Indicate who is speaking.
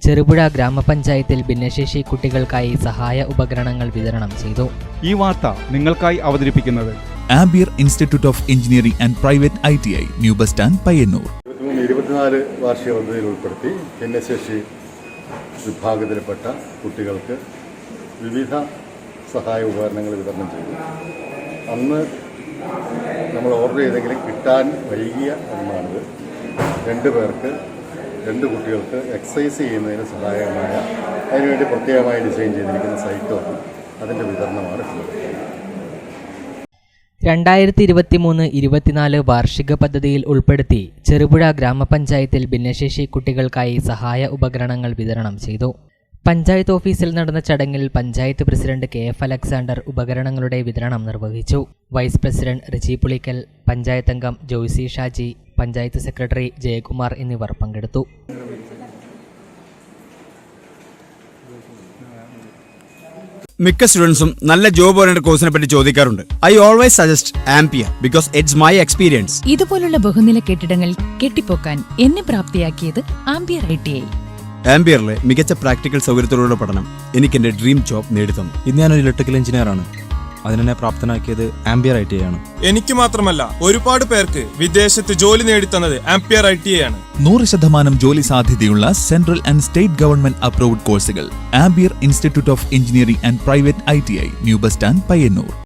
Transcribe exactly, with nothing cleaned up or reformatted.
Speaker 1: ചെറുപുഴ ഗ്രാമപഞ്ചായത്തിൽ ഭിന്നശേഷി കുട്ടികൾക്കായി സഹായ ഉപകരണങ്ങൾ വിതരണം ചെയ്തു.
Speaker 2: ഈ വാർത്ത നിങ്ങൾക്കായി അവതരിപ്പിക്കുന്നത്
Speaker 3: Ampere institute of engineering and private I T I, new bus stand, Payyanur.
Speaker 4: ഇരുപത്തിനാല് വാർഷിക പദ്ധതിയിൽ ഉൾപ്പെടുത്തി ഭിന്നശേഷി വിഭാഗത്തിൽപ്പെട്ട കുട്ടികൾക്ക് വിവിധ സഹായ ഉപകരണങ്ങൾ വിതരണം ചെയ്തു. അന്ന് നമ്മൾ ഓർഡർ ചെയ്തെങ്കിലും കിട്ടാൻ വൈകിയ ഒന്നാണിത്. രണ്ട് പേർക്ക് രണ്ട് കുട്ടികൾക്ക് എക്സസൈസ് ചെയ്യുന്നതിന് സഹായകമായ അതിനുവേണ്ടി പ്രത്യേകമായി ഡിസൈൻ ചെയ്തിരിക്കുന്ന സൈക്കിളും അതിൻ്റെ വിതരണമാണ് ഉള്ളത്.
Speaker 1: രണ്ടായിരത്തി ഇരുപത്തി മൂന്ന് ഇരുപത്തിനാല് വാർഷിക പദ്ധതിയിൽ ഉൾപ്പെടുത്തി ചെറുപുഴ ഗ്രാമപഞ്ചായത്തിൽ ഭിന്നശേഷി കുട്ടികൾക്കായി സഹായ ഉപകരണങ്ങൾ വിതരണം ചെയ്തു. പഞ്ചായത്ത് ഓഫീസിൽ നടന്ന ചടങ്ങിൽ panchayat president K F Alexander ഉപകരണങ്ങളുടെ വിതരണം നിർവഹിച്ചു. വൈസ് പ്രസിഡന്റ് റിജി പുളിക്കൽ, പഞ്ചായത്ത് അംഗം ജോയ്സി ഷാജി, പഞ്ചായത്ത് സെക്രട്ടറി ജയകുമാർ എന്നിവർ പങ്കെടുത്തു.
Speaker 5: മിക്ക സ്റ്റുഡൻസും നല്ല ജോബ് ഓറിയന്റഡ് കോഴ്സിനെ പറ്റി ചോദിക്കാറുണ്ട്. I always suggest Ampere because it's my experience.
Speaker 6: ഇതുപോലുള്ള ബഹുനില കെട്ടിടങ്ങൾ കെട്ടിപ്പൊക്കാൻ എന്നെ പ്രാപ്തിയാക്കിയത് ആംപിയർ ഐ ടി ഐ.
Speaker 5: ആംപിയറിലെ മികച്ച പ്രാക്ടിക്കൽ സൗകര്യത്തോടുള്ള പഠനം എനിക്ക് എന്റെ ഡ്രീം ജോബ് നേടിത്തന്നു.
Speaker 7: ഇന്ന് ഞാനൊരു ഇലക്ട്രിക്കൽ എഞ്ചിനീയർ ആണ്. അതിനെ പ്രാപ്തനാക്കിയത് ആംപിയർ ഐ ടി ഐ ആണ്.
Speaker 8: എനിക്ക് മാത്രമല്ല, ഒരുപാട് പേർക്ക് വിദേശത്ത് ജോലി നേടിത്തന്നത് ആംപിയർ ഐ ടി ഐ ആണ്.
Speaker 3: നൂറ് ശതമാനം ജോലി സാധ്യതയുള്ള central and state government approved കോഴ്സുകൾ. Ampere institute of engineering and private I T I, new bus stand, Payyanur.